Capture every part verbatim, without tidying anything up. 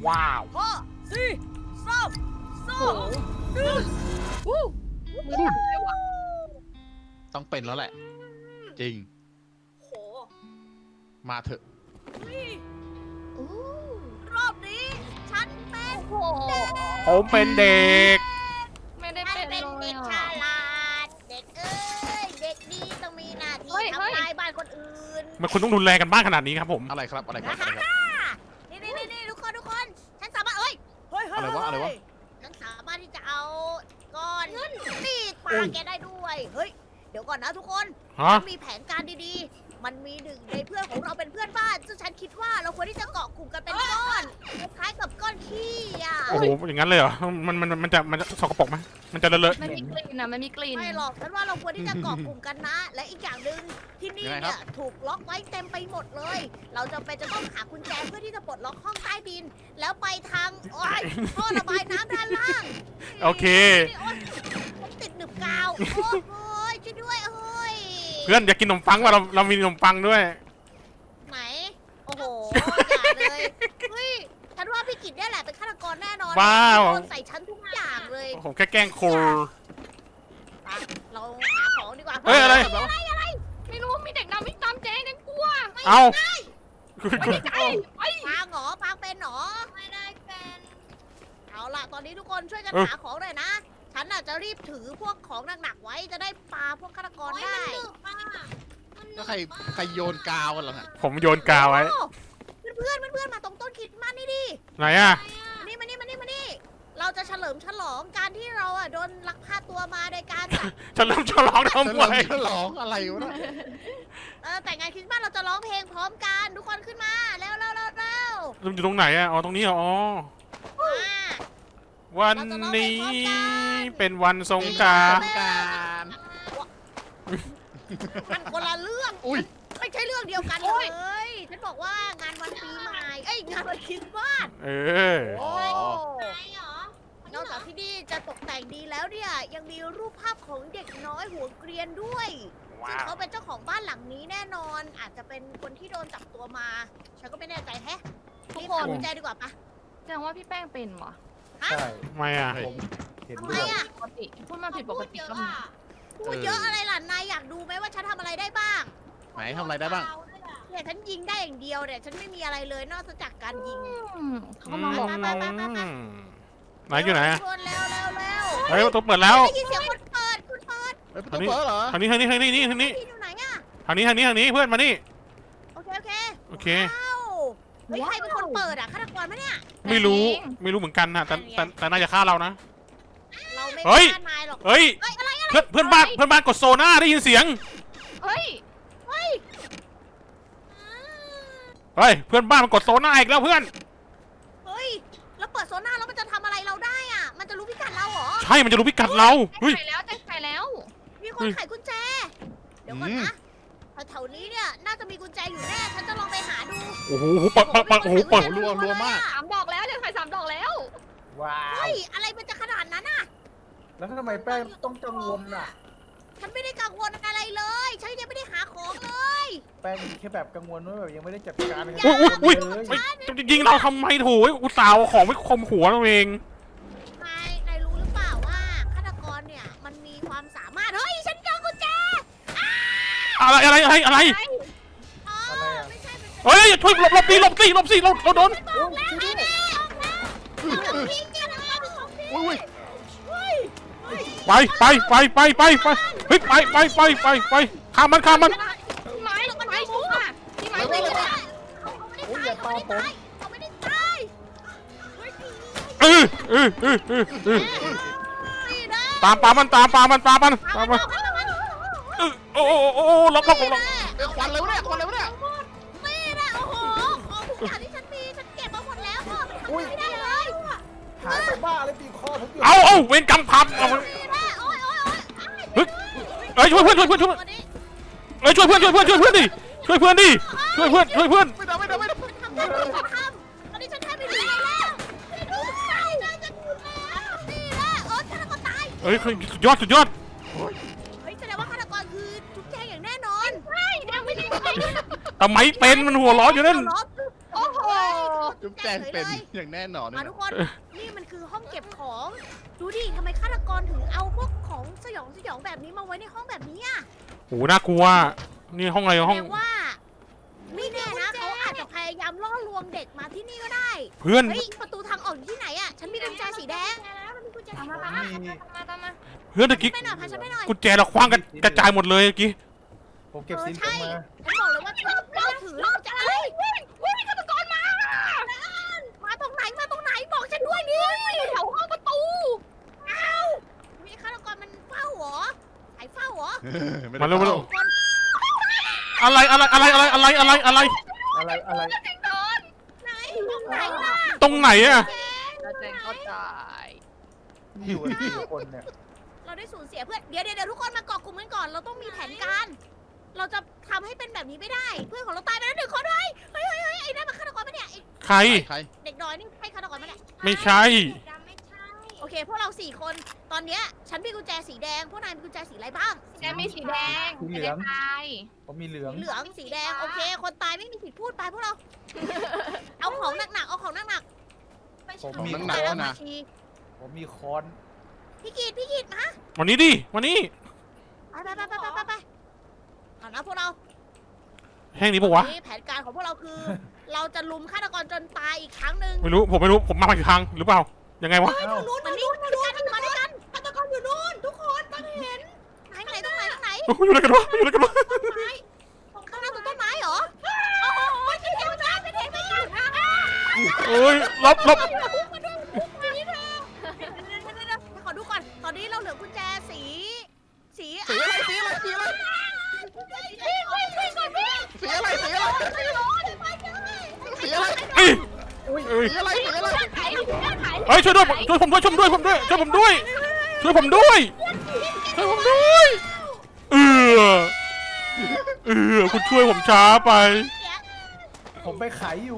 ว้าวห้าสี่สามสองหนึ่งวู้มือสั่นเลยว่ะต้องเป็นแล้วแหละ จริงโหมาเถอะเฮ้ยอู้รอบนี้ ฉันเป็นโอ้โหผมเป็นเด็กไม่ได้ฉันเป็นเป็นเลเด็ยกอ่ะฉลาด เด็กเอ้ย เด็กดีต้องมีหน้าที่เฮ้ยเฮ้ยทำลายบ้านคนอื่นมันคุณต้องรุนแรงกันบ้างขนาดนี้ครับผมอะไรครับ อะไรครับ อะไรครับนี่นี่นี่ทุกคนทุกคน ฉันสามารถเอ้ยเฮ้ยเฮ้ยอะไรวะอะไรวะฉันสามารถที่จะเอาก้อนนี่ปลาแกได้ด้วย เฮ้ย เดี๋ยวก่อนนะทุกคนฮะฉันมีแผนการดีๆ มันมีหนึ่งในเพื่อนของเราเป็นเพื่อนบ้าน ซึ่งฉันคิดว่าเราควรที่จะเกาะกลุ่มกันเป็นก้อน คล้ายๆกับก้อนขี้อ่ะโอ้โห อย่างนั้นเลยเหรอ มัน มัน มันจะ มันจะสกปรกไหมมันจะเลอะมันมีกลิ่นนะมันมีกลิ่นไม่หรอก ฉันว่าเราควรที่จะเกาะกลุ่มกันนะ และอีกอย่างหนึ่งที่นี่ยังไงครัเนี่บยถูกล็อกไว้เต็มไปหมดเลย เราจะเป็นจะต้องหากุญแจเพื่อที่จะปลดล็อกห้องใต้ดิน แล้วไปทางโอ้ยท่อระบายน้ำด้านล่างโอเคโอ๊ยผมติดหนึบกาว โอ้ยโอ้ยช่วยด้วยโอ้ยเพื่อนอยากกินขนมปังว่ะเรา เรามีขนมปังด้วยไหน โอ้โห อย่าเลย เฮ้ย ฉันว่าพี่กิจเนี่ยแหละเป็นฆาตกรแน่นอนว้าวโดนใส่ฉันทุกอย่างเลยผมแค่แกล้งโคลไปเราหาของดีกว่าเฮ้ยอะไรอะไรอะไรไม่รู้มีเด็กดำวิ่งตามเจ๊ฉันกลัวเอาไม่ได้ใจไปปางเหรอปางเป็นเหรอ ไม่ได้เป็น เอาล่ะ ตอนนี้ทุกคนช่วยกันเออหาของเลยนะ ฉันน่ะจะรีบถือพวกของหนักๆไว้ จะได้ปาพวกฆาตกรได้แล้วใคร ใครโยนกาวกันเหรอฮะผมโยนกาวไว้โอ้เพื่อนๆเพื่อนๆมาตรงต้นคริดมันนี่ดิไหนอะมานี่มานี่มานี่มานี่ เราจะเฉลิมฉลองการที่เราอ่ะโดนลักพาตัวมาโดยการจับจะเริ่มฉลองฉทำลไมองฉลองอะไรวะเนี่ยเออแต่งงานคริสต์มาสเราจะร้องเพลงพร้อมกันทุกคนขึ้นมาเร็วเร็วเร็วเร็วมันอยู่ตรงไหนอะอ๋อ ตรงนี้เหรออ๋อมาวันนี้เป็นวันสงกรานสต์งกรารมันคนละเรื่องอุ้ยไม่ใช่เรื่องเดียวกันเลยฉันบอกว่างานวันปีใหม่เอ้ยงานวันคริสต์มาสเออโอ้นอกจากที่นี่จะตกแต่งดีแล้วเนี่ยยังมีรูปภาพของเด็กน้อยหัวเกรียนด้วยซึ่งเขาเป็นเจ้าของบ้านหลังนี้แน่นอน อาจจะเป็นคนที่โดนจับตัวมา ฉันก็ไม่แน่ใจแฮะทุกรีบคหาน กุญแจดีกว่าปะแสดงว่าพี่แป้งเป็นเหรอใช่ทำไมอะผมเห็นทำด้ไมวยอ่ะปกติพูดมาผิดปกติก็มีพูดเยอะอะไรล่ะนายอยากดูไหมว่าฉันทำอะไรได้บ้างไหนทำอะไรได้บ้างเนี่ยฉันยิงได้อย่างเดียวเนี่ยฉันไม่มีอะไรเลยนอกจากการยิงอืมเขามาบอกไปไปไปไปไหนอยู่ไหนอะชวนเร็วเร็วเร็วเฮ้ยประตูเปิดแล้วได้ยินเสียงคนเปิดคุณเปิดเฮ้ยประตูเปิดเหรอทางนี้ทางนี้ทางนี้นี่ทางนี้พี่อยู่ไหนอะทางนี้ทางนี้ทางนี้เพื่อนมานี่โอเคโอเคโอเคว้าวเฮ้ยใครเป็นคนเปิดอะฆาตกรไหมเนี่ยไม่รู้ ไม่รู้เหมือนกันนะแต่แต่แต่น่าจะฆ่าเรานะเราไม่เฮ้ยฆ่านายหรอกเฮ้ยเฮ้ยอะไรอะเพื่อนเพื่อนบ้านเพื่อนบ้านกดโซน่าได้ยินเสียงเฮ้ยเฮ้ยเฮ้ย เพื่อนบ้านมันกดโซน่าอีกแล้วเพื่อนเฮ้ยแล้วเปิดโซน่าแล้วมันจะทำอะไรเราได้อะมันจะรู้พิกัดเราเหรอใช่ มันจะรู้พิกัดเรา เฮ้ยใส่แล้วแจ้งใส่แล้วมีคนไขกุญแจ เดี๋ยวก่อนนะแถวๆนี้เนี่ยน่าจะมีกุญแจอยู่แน่ฉันจะลองไปหาดูโอ้โหเปิดเปิดเปิดโอ้โหเปิดรัวรัวมากสามดอกแล้วจะใส่สามดอกแล้วว้าวเฮ้ยอะไรมันจะขนาดนั้นอะแล้วทำไมแป้งต้องกังวลอ่ะฉันไม่ได้กังวลอะไรเลย ฉันยังไม่ได้หาของเลยแป้งแค่แบบกังวลว่าแบบยังไม่ได้จัดการอะไรอุ้ยอุ้ยอุ้ยเลยเฮ้ยจะยิงเราทำไมโถยอุตส่าห์เอาของไปคมหัวเราเองนาย นายรู้หรือเปล่าว่าฆาตกรเนี่ยมันมีความสามารถ เฮ้ย ฉันเจอกุญแจอะไรอะไรอะไรอะไรอ๋ออะไรอ่ะไม่ใช่เป็นเฮ้ยช่วยหลบหลบดิหลบสิหลบสิเราเราโดนโอ้ยช่วยด้วยของทิ้งเนี่ยนะเป็นของทิ้งอุ้ยเฮ้ยไปไปไปไปไปไปเฮ้ยไปไปไปไปไปข้ามมันข้ามมันพี่ไม้พี่ไม้ชุบอ่ะพี่ไม้ไม่ชุบได้อ่ะเขาไม่ได้ตายเขาไม่ได้ตายเขาไม่ได้ตายเฮ้ยเออเออเออเออเออนี่นะตามปามันตามปามันตามมันตาตาม มมัมัน นตามมันเออโอ้โอ้โอ้โอ้หลบหลบหลบหลบเอ้ยควันเลยวะเนี่ยควันเลยวะเนี่ยนี่นะโอ้โหของทุกอย่างที่ฉันมีฉันเก็บมาหมดแล้วพ่อมันทำไม่ได้เลยหายไปบ้าเลยตีคอผมอยู่เอาเอาเวรกรรมพับเอานี่นะโอ้ยโอ้ยโอ้ยเฮ้ยเอ้ยช่วยเพื่อนช่วยเพื่อนช่วยเพื่อนเอ้ยช่วยเพื่อนช่วยเพื่อนช่วยเพื่อนดิช่วยเพื่อนดิช่วยเพื่อนช่วยเพื่อนไม่ได้ไม่ได้ไม่ได้ทำได้ฉันทำตอนนี้ฉันแทบไม่มีอะไรแล้วไม่รู้ใช่จะจะถูกแล้วนี่นะโอ๊ยฆาตกรตายเอ้ยสุดยอดสุดยอดเฮ้ยแสดงว่าฆาตกรคือทุกแจงอย่างแน่นอนใช่ยังไม่ได้ไงทำไมเป็นมันหัวร้อนอยู่นั่นเอาเหรอโอ้โหดูจุ๊บแจงเป็นอย่างแน่นอนมานะทุกคน นี่มันคือห้องเก็บของ ดูดิทำไมฆาตกรถึงเอาพวกของสยองสยองแบบนี้มาไว้ในห้องแบบนี้อะโหน่ากลัวนี่ห้องอะไรแสห้องดงว่า ไม่แน่นะเขาอาจจะพยายามล่อลวงเด็กมาที่นี่ก็ได้เพื่อนเฮ้ยประตูทางออกอยู่ที่ไหนอะฉันมีกุญแจสีแดงตามมาตามมาตามมาตามมาเพื่อนตะกี้ไปหน่อยพาฉันไปหน่อยกุญแจเราคว้างกันกระจายหมดเลยเมื่อกี้ผมเก็บสินเออผมใช่มาฉันบอกเลยว่าฉันเราถือเราจะอะไรวิ่งวิ่งฆาตกรมามาตรงไหนมาตรงไหนบอกฉันด้วยดิแถวห้องประตูมีฆาตกรมันเฝ้าเหรอไอ้เฝ้าเหรอมาเร็วมาเร็วคนอะไรอะไรอะไรอะไรอะไรอะไรอะไรอะไรอะไรแจงโดนไหนตรงไหนล่ะตรงไหนอะแล้วแจงก็ตายอยู่กันกี่คนเนี่ยเราได้สูญเสียเพื่อนเดี๋ยวเดี๋ยวเดี๋ยวทุกคนมาเกาะกลุ่มกันก่อนเราต้องมีแผนการ เราจะทำให้เป็นแบบนี้ไม่ได้ เพื่อนของเราตายไปแล้วหนึ่งคนเลยเฮ้ยเฮ้ยเฮ้ยไอ้นั่นมันฆาตกรปะเนี่ยไอ้ใครใครเด็กน้อยนี่ใช่ฆาตกรปะเนี่ยไม่ใช่โอเค พวกเราสี่คน ตอนเนี้ยฉันมีกุญแจสีแดง พวกนายมีกุญแจสีอะไรบ้างแจงมีสีแดงสีเหลืองตายผมมีเหลืองสีเหลือง สีแดง โอเค คนตายไม่มีสิทธิ์พูดไปพวกเรา เอาของหนักๆ เอาของหนักผมของมีหนักๆๆมานะชีผมมีค้อนพี่กีดพี่กีดมาวันนี้ดิวันนี้ไปไปไปไปไปไปไปเอานะพวกเราแห้งนี้ปะวะนี่แผนการของพวกเราคือ เราจะลุมฆาตกรจนตายอีกครั้งหนึ่งไม่รู้ผมไม่รู้ผมมาผิดทางหรือเปล่ายังไงวะเอ้านู้นมานี่มาด้วยกันมาด้วยกันฆาตกรอยู่นู้นทุกคนต้องเห็นไหนไหนตรงไหนตรงไหนโอ้ยอยู่อะไรกันวะอยู่อะไรกันวะต้นไม้ข้างหน้าตรงต้นไม้เหรอโอ้โหจะเห็นจ้าจะเห็นไม่กันโอ้ยลบลบมาด้วยมานี่เธอขอดูก่อนตอนนี้เราเหลือกุญแจสีสีสีอะไรสีอะไรสีอะไรวิ่งวิ่งวิ่งก่อนวิ่งสีอะไรสีอะไรไม่ร้อนไม่ได้สีอะไรเอ้ยอุ้ยเอ้ยสีอะไรสีอะไรไข่ไข่เอ้ยช่วยด้วยช่วยผมด้วยช่วยผมด้วยผมด้วยช่วยผมด้วยช่วยผมด้วยช่วยผมด้วยเออเออคุณช่วยผมช้าไปผมไปขายอยู่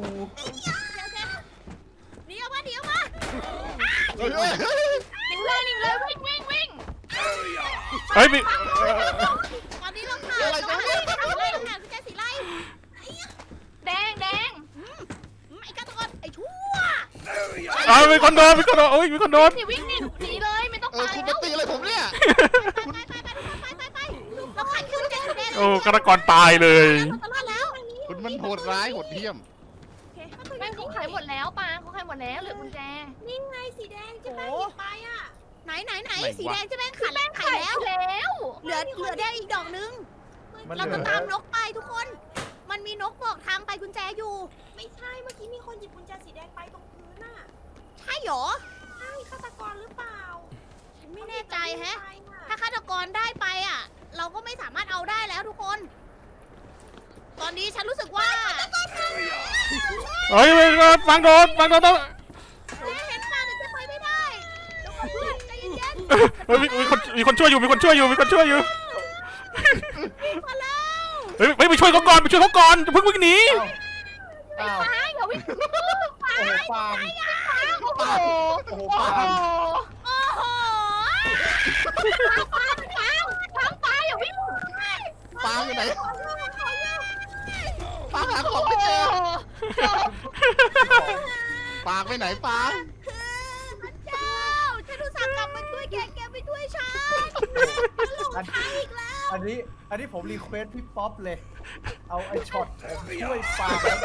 เดี๋ยวมาเดี๋ยวมาเฮ้ยเฮ้ยเฮ้ยนิ่งเลยนิ่งเลยวิ่งวิ่งวิ่งเฮ้ยมีตอนนี้เราขาดเราขาดสีไล่เราขาดกุญแจสีไล่แดงแดงไอ้ฆาตกรไอ้ชั่วเอ้ยมีคนโดนมีคนโดนโอ้ยมีคนโดนนี่วิ่งหนีหนีเลยไม่ต้องเออตายคุณแล้มาว ตีอะไรผมเนี่ยไปไปไปไปไปไปเราขาดกุญแจสีแดงโอ้ฆาตกรตายเลยตลอดแล้วคุณมันโหดร้ายโหดเหี้ยมแม่งเขาขายหมดแล้วปาเขาขายหมดแล้วเหลือกุญแจนี่ไงสีแดงจะแม่หยิบไปอ่ะไหนไหนไหนสีแดงจะแม่งขัดไข่แล้วแล้วเหลือเหลือแดงอีกดอกนึงมันเหเราลืจะอตามนกไปทุกคน มันมีนกบอกทางไปกุญแจอยู่ไม่ใช่ เมื่อกี้มีคนหยิบกุญแจสีแดงไปตรงพื้นน่ะใช่หรอใช่ฆาตกรหรือเปล่าฉันไม่แน่ใจแฮะไปน่ะถ้าฆาตกรได้ไปอ่ะ เราก็ไม่สามารถเอาได้แล้วทุกคน ตอนนี้ฉันรู้สึกว่าเฮ้ยฟังโดนฟังโดนเจ๊เห็นมาแต่จะไปไม่ได้เดี๋ยวก่อนเพื่อนใจเย็นเฮ้ยมีมีคนมีคนช่วยอยู่มีคนช่วยอยู่มีคนช่วยอยู่ๆมาแล้วเฮ้ยไปไปช่วยเขาก่อนไปช่วยเขาก่อนอย่าเพิ่งวิ่งหนีอ้าวตายอย่าวิ่งโอ้โหปาล์มโอ้โหโอ้โหโอ้ปาโหล์มโอ้โหปางปางปางปางอย่าวิ่งปางอยู่ไหนปางหาของไม่เจอปางไปไหนปางพระเจ้าฉันอุตส่าห์กลับมาช่วยแกแกไม่ช่วยฉันหลงทางอีกแล้วอันนี้ อันนี้ผมรีเควสพี่ป๊อปเลย เอาไอ้ช็อตผมช่วยปาล์มแล้ว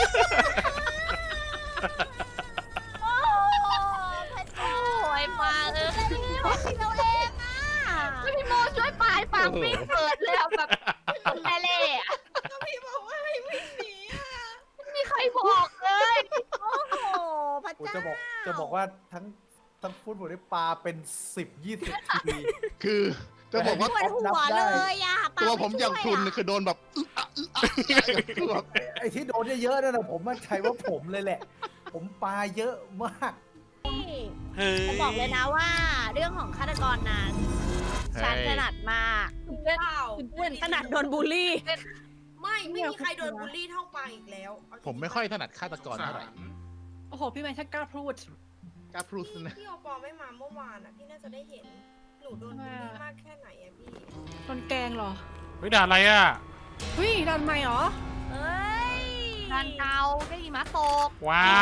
โอ้พระเจ้าโอ้ยปางเออเราเองอ่ะพี่โมช่วยปางปางวิ่งเปิดเลยแบบแม่เล่อะก็พี่บอกว่าให้วิ่งหนีอ่ะไม่มีใครบอกเลยโอ้โหพระผมเจ้าจะบอกจะบอกว่าทั้งทั้งฟุตบอลได้ปลาเป็นสิบยี่สิบทีคือจะบอกว่าปวดหัวเลยอ่ะปาตัวไผมอย่างคุณช่วะคือโดนแบบอึ๊ะอะอึ๊ะอะคือแบบไอ้ที่โดนเยอะๆนั่นนะผมมั่นใจว่าผมเลยแหละ ผมปลาเยอะมากเฮ้ยจะบอกเลยนะว่า เรื่องของฆาตกรนั้นฉันถนัดมากเปล่าถนัดโดนบูลลี่ไม่ ไม่มีใครโดนบูลลี่เท่าปางอีกแล้วเอาจริงๆผมไม่ค่อยถนัดฆาตกรเท่าไหร่โอ้โห พี่แมนช่างกล้าพูดกล้าพูดนะพี่โอปอไม่มาเมื่อวานอ่ะ พี่น่าจะได้เห็น หนูโดนบูลลี่มากแค่ไหนอะพี่โดนแกงเหรอเฮ้ยด่าอะไรอ่ะเฮ้ยดันไม่เหรอเฮ้ยดร้านเก่าได้หิมะตกว้าว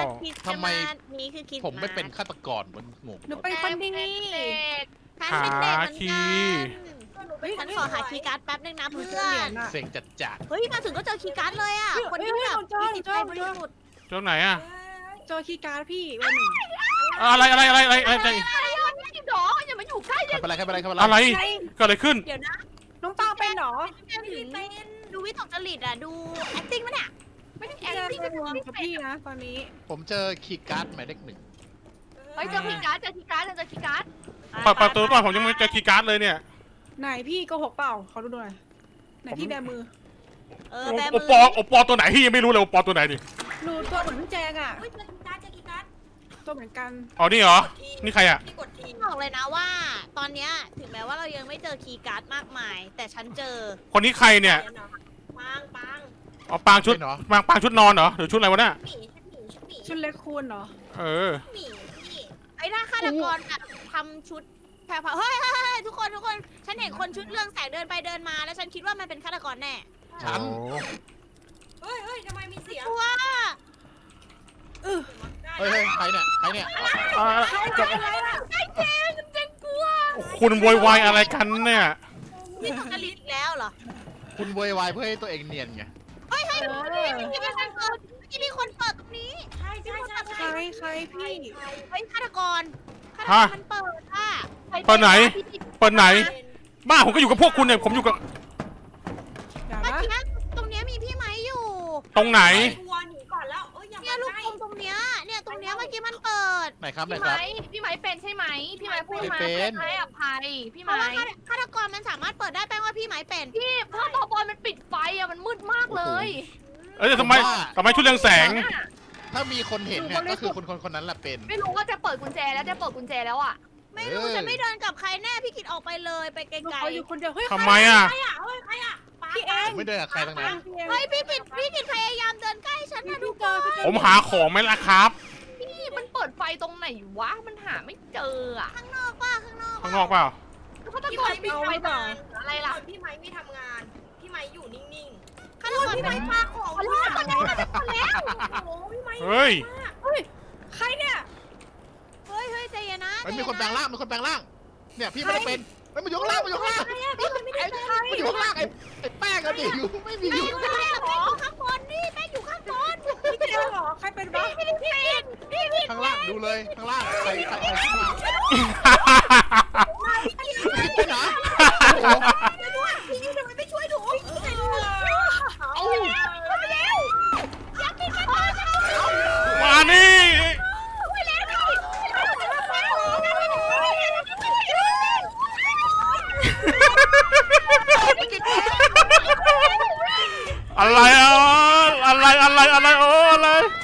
คิดทำไมนี่คือคิดผมไม่เป็นฆาตกรมันงงหนูเป็นคนดีเด็กฉันเป็นเด็กเหมือนหาคีกันฉันขอหาคีย์การ์ดแป๊บนึงนะหนูเพื่เจออเหรียนญอะเสียงจัดจัดเฮ้ยมาถึงก็เจอคีย์การ์ดเลยอ่ะเฮ้ยคนที่เฮ้ยแบบเจอมีจิตใจเจอบริสุทธิ์เจ้าไหนอะเจอคีย์การ์ดพี่เบอร์หนึ่งอะไรอะไรอะไรอะไรอะไรอะไรอะไรวะนี่ดอกอย่ามาอยู่ใกล้ใครเป็นไรใครเป็นไรใครเป็นไรอะไรเกิดอะไรขึ้นเดี๋ยวนะน้องปังเป็นเหรอเป็นดูวิตกจริตอ่ะดู acting มันเนี่ยไม่ได้แอแอนนตี้เป็กัน นวงกับพี่นะตอนนี้ผมเจอคีย์การ์ดหมายเลขหนึ่งเฮ้ยเจอคีย์การ์ดเจอคีย์การ์ดเจอคีย์การ์ดเปิดประตูก่อนผมยังไม่เจอคีย์การ์ดเลยเนี่ยไหนพี่โกหกเปล่าขอดูหน่อยไหนพี่แบมือเออโอแบโอมือปอโอปอตัวไหนพี่ยังไม่รู้เลยโอปอตัวไหนดิหนูตัวเหมือนพี่แจงอ่ะเฮ้ยเจอกีการ์ดเจอกีการ์ดตัวเหมือนกันอ๋อนี่เหรอกดทีนี่ใครอะพี่กดทีบอกเลยนะว่า ตอนเนี้ยถึงแม้ว่าเรายังไม่เจอคีย์การ์ดมากมาย แต่ฉันเจอคนนี้ใครเนี่ยปังปังอ๋อปางชุดเป็นเหรอปางปางชุดนอนเหรอหรือชุดอะไรวะเนี่ยหมีชุดหมีชุดหมีชุดเล็กคูณเหรอเออหมีพี่ไอ้ถ้าฆาตกรแบบทำชุดแผ่วๆเฮ้ยเฮ้ยเฮ้ยทุกคนทุกคนฉันเห็นคนชุดเรืองแสงเดินไปเดินมาแล้วฉันคิดว่ามันเป็นฆาตกรแน่ฉันเฮ้ยเฮ้ยทำไมมีเสียงเพราะว่าเออเฮ้ยเฮ้ยใครเนี่ยใครเนี่ยอ่าไอ้เจงเจงกลัวคุณโวยวายอะไรกันเนี่ยนี่ตกจริตอีกแล้วเหรอคุณโวยวายเพื่อให้ตัวเองเนียนไงเฮ้ยเฮ้ยเมื่อกี้มีคนเปิดเมื่อกี้มีคนเปิดตรงนี้ใช่ใช่ใช่ใครใครพี่เฮ้ยฆาตกรฆาตกรมันเปิดอ่ะเปิดไหน เปิดไหน บ้าผมก็อยู่กับพวกคุณเนี่ยผมอยู่กับอย่าเมื่อนะกี้ตรงเนี้ยมีพี่ไม้อยู่ตรงไหนกลัวหนีก่อนแล้วเอ้ยอย่าเนี่ยมาลูกใกล้กลมตรงเนี้ยเนี่ยตรงเนี้ยเมื่อกี้มันเปิดไหนครับไหนพี่คไม้รับพี่ไม้เป็นใช่ไหมพี่ไม้พูดมาไม่เป็นให้อภัยพี่เพราะไม้ว่าฆาตกรมันสามารถเปิดได้แปลว่าพี่ไม้เป็นพี่เพราะตัวบอลมันปิดไฟอะมันมืดมากเลยเอ้ยแต่ทำไมทำไมชุดเรืองแสงถ้ามีคนเห็นเนี่ยก็คือคนคนคนนั้นแหละเป็นไม่รู้ว่าจะเปิดกุญแจแล้วจะเปิดกุญแจแล้วอ่ะไม่รู้เออฉันไม่เดินกับใครแน่พี่กิดออกไปเลยไปไกหนูลขออยู่คนเดียวเฮ้ยทำไมอ่ะใครอ่ะเฮ้ยใครอ่ะปังพี่เองผมไม่เดินกับใครทั้งนั้นพี่เองๆเฮ้ยพี่กิดพี่กิดพยายามเดินใกล้ฉันนะทุกคนผมหาของไหมล่ะครับพี่มันเปิดไฟตรงไหนวะมันหาไม่เจออ่ะข้างนอกป่ะข้างนอกข้างนอกเปล่าฆาตพี่กไม้รไม่ปิดไฟทำตรงงานอะไรล่ะพี่ไม้ไม่ทำงาน พี่ไม้อยู่นิ่งฆาตกรพี่ไม้ปาของขอโทษขอโทษขอโทษแล้วๆ โอ้โหพี่ไม้เฮ้ยใครเนี่ยเฮ้ยเฮ้ยใจเย็นนะเฮ้ยมีคนแปลงร่างมีคนแปลงร่าง เนี่ยพี่ไม่ได้เป็นเฮ้ยมันอยู่ข้างล่างมันอยู่ข้างล่างพี่มันไม่ได้เป็นมันอยู่ข้างล่างไอ้ไอ้แป้งกันดิอยู่ไม่มีอยู่ไม่ได้หรอแป้งอยู่ข้างบนนี่แป้งอยู่ข้างบนพี่เจอเหรอใครเป็นบ้าพี่พี่พี่พี่ข้างล่างดูเลยข้างล่างใครใครใครขึ้นมาไปไหนโอ้โหพี่ทำไมไม่ช่วยหนูเอาไปแล้วอยากกินกันบ้างมานี่ไปแล้วพี่อะไรอ่ะอะไรอะไรอะไรโอ้อะไร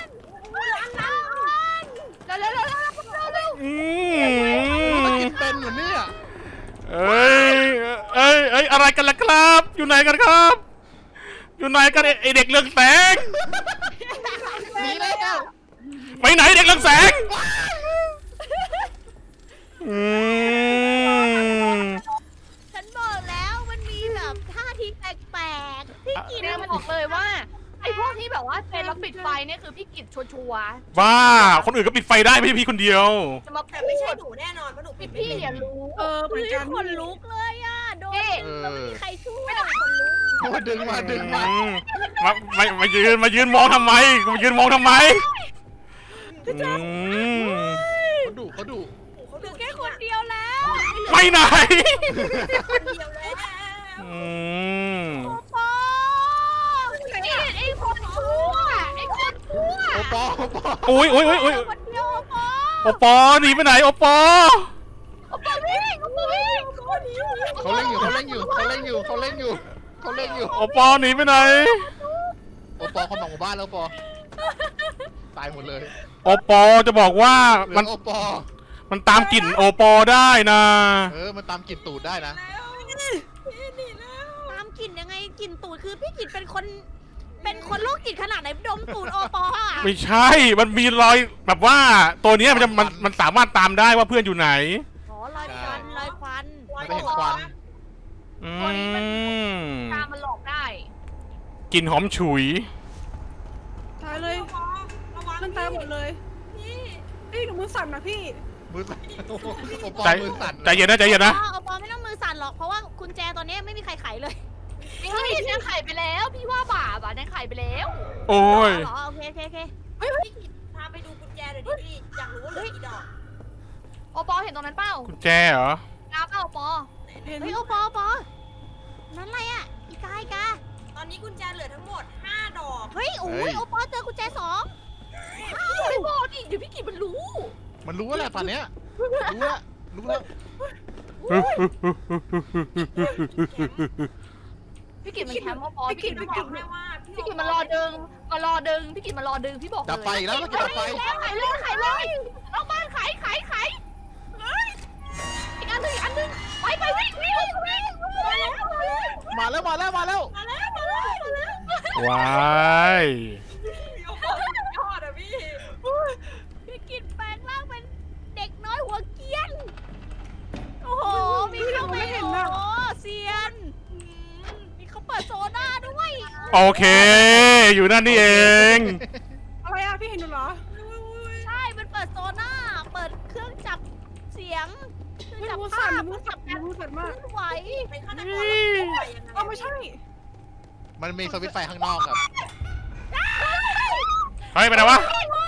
แล้วแล้วแล้วแล้วอืมันมกินเป็นเหรอเนี่ยเอ้ยเอ้ยเอ้ยอะไรกันล่ะครับ อยู่ไหนกันครับ อยู่ไหนกันไอ้ไอเด็กเรืองแสงหนีแล้วไปไหนเด็กเรืองแสงอืมฉันบอกแล้วมันมีแบบท่าทีแปลกๆพี่กินเนี่ยบอกเลยว่าไอ้พวกที่แบบว่าเป็นแล้วปิดไฟเนี่ยคือพี่กิจชัวร์บ้าคนอื่นก็ปิดไฟได้ไม่ใช่พี่คนเดียวๆจะมาแต่ไม่ใช่หนูแน่นอนเพราะหนูปิดไม่พี่เป็นอย่ารู้เออเหมือนพี่กันขนลุกเลยอ่ะโดนเอ๊ะแล้วไม่มีใครช่วยคนลุกมาดึงมาดึงมาอืมมามามายืนมายืนมองทำไมมายืนมองทำไมอืมเขาดุเขาดุเขาเหลืดูอแค่แค่คคนนเดียวแล้วไปไหนคนเดียวแล้วอืมโอปอไอ้ไอ้คนชั่วไอ้คนชั่วโอปอโอปอโอ้ยโอ้ยโอ้ยโอ้ยคนเดียวโอปอโอปอหนีไปไหนโอปอโอ้ปวิ่งโอ้ปวิ่งเขาเล่นอยู่เขาเล่นอยู่เขาเล่นอยู่เขาเล่นอยู่เขาเล่นอยู่โอปอหนีไปไหนโอปอเขาบอกหมู่บ้านแล้วโอปอตายหมดเลยโอปอจะบอกว่าเหลืมัอน โอปอมันตามกลิ่นโอปอได้นะเออมันตามกลิ่นตูดได้นะตามกลิ่นยังไงกลิ่นตูดคือพี่กลิ่นเป็นคน เป็นคนโรคจิตขนาดไหนดมตูดโอปออ่ะไม่ใช่ มันมีรอยแบบว่าตัวเนี้ยมันจะมันมันสามารถตามได้ว่าเพื่อนอยู่ไหนอ๋อลอยควันลอยควันมันก็เห็นควันอืตัวนี้มันมตามมันหลอกได้กลิ่นหอมฉุยายเลยพอระวังเพื่อนตายหมดเลยพี่พี่หนูมือสั่นนะพี่มือสั่นโอ้โหโอปอใจมือสั่นใจเย็นนะใจเย็นนะเอาปอไม่ต้องมือสั่นหรอกเพราะว่ากุญแจตอนนี้ไม่มีใครไขเลยพี่แนนไขไปแล้ว พี่ว่าบาปอ่ะแนนไขไปแล้วโอ้ยเหรอโอเคโอเคโอเคพี่กิจพาไปดูกุญแจหน่อยดิพี่อยากรู้ว่าเหลือกี่ดอกโอปอเห็นตรงนั้นเปล่ากุญแจเหรอน้าเปล่าโอปอเห็นเฮ้ยโอปอโอปอนั่นอะไรอ่ะอีกาอีกาตอนนี้กุญแจเหลือทั้งหมดห้าดอกเฮ้ยโอ้ยโอปอเจอกุญแจสองไม่บอกดิเดี๋ยวพี่กิจมันรู้มันรู้ว่าแหละป่านเนี้ยรู้แล้วรู้แล้วพี่กิจมันแคมป์โอปอพี่กิจจะมันบแคอกมป์ให้ว่าพี่กิจมันรอดึงมารอดึงพี่กิจมารอดึงพี่บอกเลยดับไฟอีกแล้วแล้วจะดับไฟแล้วไขเลยไขเลยนอกบ้านไขไขไขอีกอันหนึงอีกอันหนึงไปไปวิ่งวิ่งวิ่งมาแล้วมาแล้วมาแล้วมาแล้วมาแล้วมาแล้วมาแล้วว้ายโอ้โหยอดอะพี่พี่กินแปลงร่างเป็นเด็กน้อยหัวเกรียนโอ้โหมีเข้าไปโอ้โหเซียนมีเขาเปิดโซน่าด้วยโอเค อยู่นั่นนี่เองอะไรอะพี่เห็นหนูเหรอใช่มันเปิดโซน่าเปิดเครื่องจับเสียงเครื่องมือจับมือภาสั่นพมือสั่นมือสั่นเคมากลื่อนไหวเป็นฆาตกรแล้วปล่อยยังไงเอ้าไม่ใช่มันมีสวิตช์ไฟข้างนอกครับเฮ้ยไปไหนวะ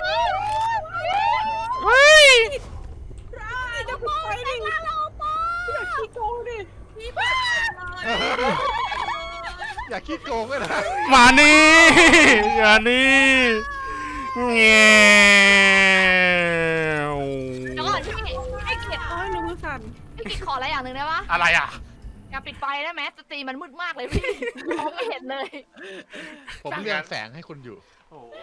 เฮ้ยจะปิดไฟดิพี่อยากขี้โกงดิพี่เปิดเลยอย่าคิดโกงเลยนะมานี่อย่านี่เงี้ยวเดี๋ยวก่อนพี่ให้เกียรติเอาให้หนูมือสั่นพี่กิจขออะไรอย่างหนึ่งได้ปะอะไรอ่ะอย่าปิดไฟได้ไหมสตรีมันมืดมากเลยพี่มองไม่เห็นเลยผมเลือกแสงให้คุณอยู่โอ้โห